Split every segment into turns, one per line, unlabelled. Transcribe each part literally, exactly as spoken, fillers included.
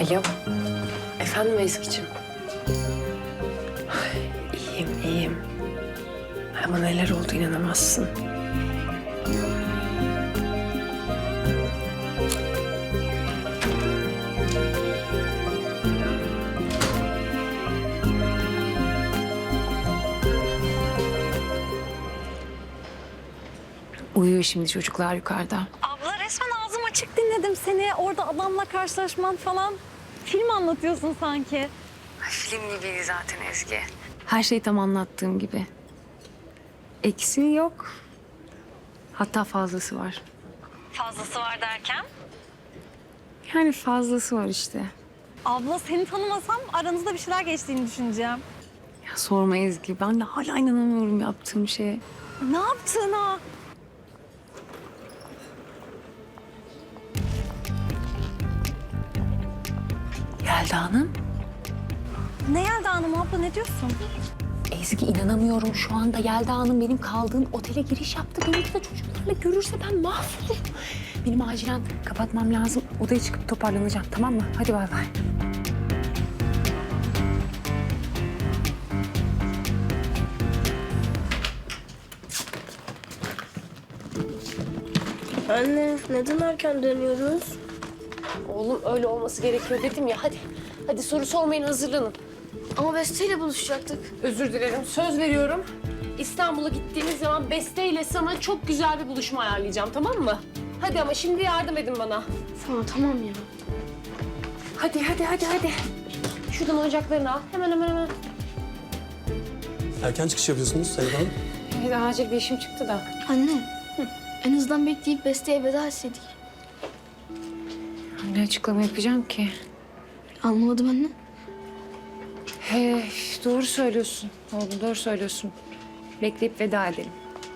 Alo. Efendim Ezgi'cim. Ay, İyiyim, iyiyim. Ama neler oldu inanamazsın.
Uyuyor şimdi çocuklar yukarıda.
Abla resmen ağzım açık dinledim seni. Orada adamla karşılaşman falan. Film anlatıyorsun sanki.
Film gibiydi zaten Ezgi. Her şey tam anlattığım gibi. Eksiği yok. Hatta fazlası var.
Fazlası var derken?
Yani fazlası var işte.
Abla seni tanımasam aranızda bir şeyler geçtiğini düşüneceğim.
Ya sorma Ezgi. Ben de hala inanamıyorum yaptığım şeye.
Ne yaptığına?
Yelda Hanım.
Ne Yelda Hanım abla ne diyorsun?
Ezgi inanamıyorum şu anda Yelda Hanım benim kaldığım otele giriş yaptı. Beni de çocuklarla görürse ben mahvolurum. Benim acilen kapatmam lazım. Odaya çıkıp toparlanacağım tamam mı? Hadi bay bay.
Anne, neden erken dönüyoruz?
Oğlum öyle olması gerekiyor dedim ya. Hadi. Hadi soru sormayın, hazırlanın.
Ama Beste ile buluşacaktık.
Özür dilerim. Söz veriyorum. İstanbul'a gittiğimiz zaman Beste ile sana çok güzel bir buluşma ayarlayacağım, tamam mı? Hadi ama şimdi yardım edin bana.
Tamam, tamam ya.
Hadi, hadi, hadi, hadi. Şuradan oyuncaklarını al. Hemen, hemen, hemen.
Erken çıkış yapıyorsunuz Sayın Hanım.
Evet, acil bir işim çıktı da.
Anne, en azından bekleyip Beste'ye veda etseydik.
Ne açıklama yapacağım ki?
Anlamadım anne.
He, doğru söylüyorsun. Oğlum doğru söylüyorsun. Bekleyip veda edelim.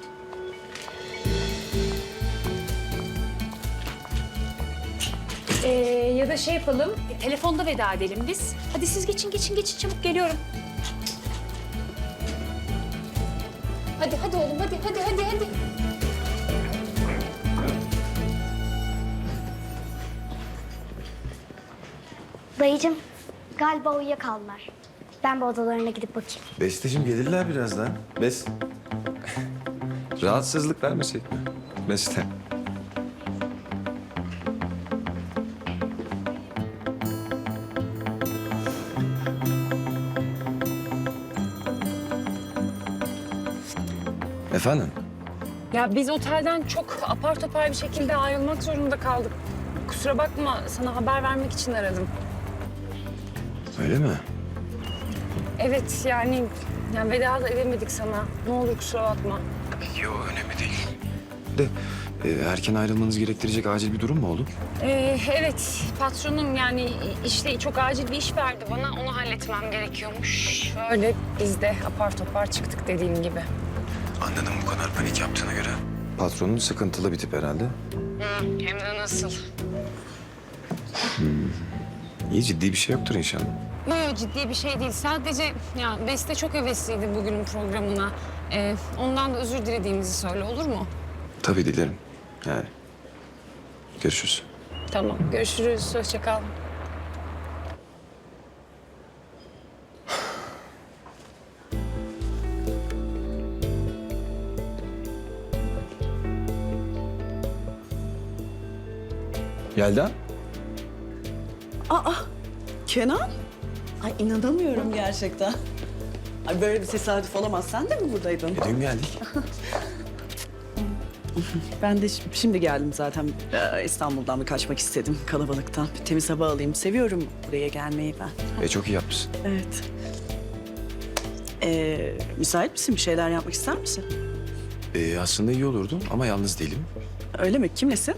Ee, ya da şey yapalım, e, telefonda veda edelim biz. Hadi siz geçin, geçin, geçin. Çabuk geliyorum. Hadi, hadi oğlum, hadi, hadi, hadi, hadi.
Dayıcığım, galiba uyuyakaldılar. Ben bir odalarına gidip bakayım.
Besteciğim gelirler birazdan. Bes... Rahatsızlık vermesek mi? Beste. Efendim?
Ya biz otelden çok apar topar bir şekilde ayrılmak zorunda kaldık. Kusura bakma, sana haber vermek için aradım.
Öyle mi?
Evet, yani, yani veda da edemedik sana. Ne olur kusura bakma.
Yok önemli değil. De e, erken ayrılmanız gerektirecek acil bir durum mu oldu?
Ee, evet, patronum yani işte çok acil bir iş verdi bana. Onu halletmem gerekiyormuş. Öyle biz de apar topar çıktık dediğim gibi.
Anladım bu kadar panik yaptığına göre. Patronun sıkıntılı bir tip herhalde.
Hem de nasıl?
İyi ciddi bir şey yoktur inşallah.
Yok ciddi bir şey değil. Sadece ya Beste çok hevesliydi bugünün programına. Ee, ondan da özür dilediğimizi söyle olur mu?
Tabii dilerim. Yani. Görüşürüz.
Tamam, görüşürüz. Hoşça kal.
Yelda?
Aa, Kenan? Ay inanamıyorum gerçekten. Ay böyle bir tesadüf olamaz. Sen de mi buradaydın?
E, dün geldik.
Ben de şi- şimdi geldim zaten. Ee, İstanbul'dan bir kaçmak istedim kalabalıktan. Bir temiz hava alayım. Seviyorum buraya gelmeyi ben.
E, çok iyi yapmışsın.
Evet. Ee, müsait misin? Bir şeyler yapmak ister misin?
E, aslında iyi olurdu ama yalnız değilim.
Öyle mi? Kimlesin?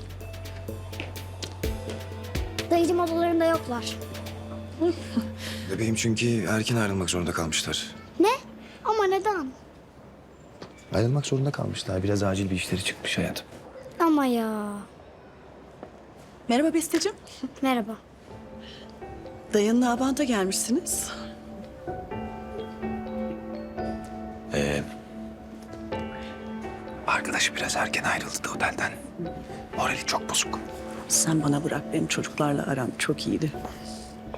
Dayıcığım odalarında yoklar.
Bebeğim çünkü erken ayrılmak zorunda kalmışlar.
Ne? Ama neden?
Ayrılmak zorunda kalmışlar. Biraz acil bir işleri çıkmış hayatım.
Ama ya.
Merhaba Besteciğim.
Merhaba.
Dayınla Abant'a gelmişsiniz.
Ee, arkadaş biraz erken ayrıldı da otelden. Morali çok bozuk.
Sen bana bırak. Benim çocuklarla aram çok iyiydi.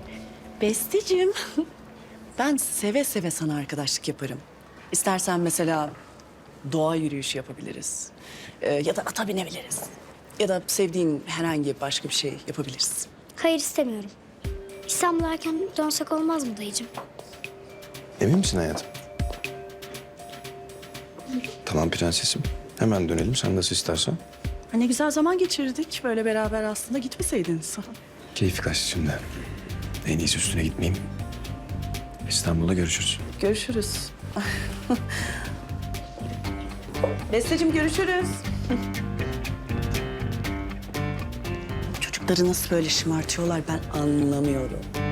Besteciğim, ben seve seve sana arkadaşlık yaparım. İstersen mesela doğa yürüyüşü yapabiliriz. Ee, ya da ata binebiliriz. Ya da sevdiğin herhangi başka bir şey yapabiliriz.
Hayır istemiyorum. İstanbul'a erken dönsek olmaz mı dayıcığım?
Emin misin hayatım? Tamam prensesim. Hemen dönelim sen nasıl istersen.
Ha, ne güzel zaman geçirdik böyle beraber aslında gitmeseydiniz.
Keyfi kaçtı şimdi. En iyisi üstüne gitmeyeyim. İstanbul'da görüşürüz.
Görüşürüz. Besteciğim görüşürüz. Çocukları nasıl böyle şımartıyorlar ben anlamıyorum.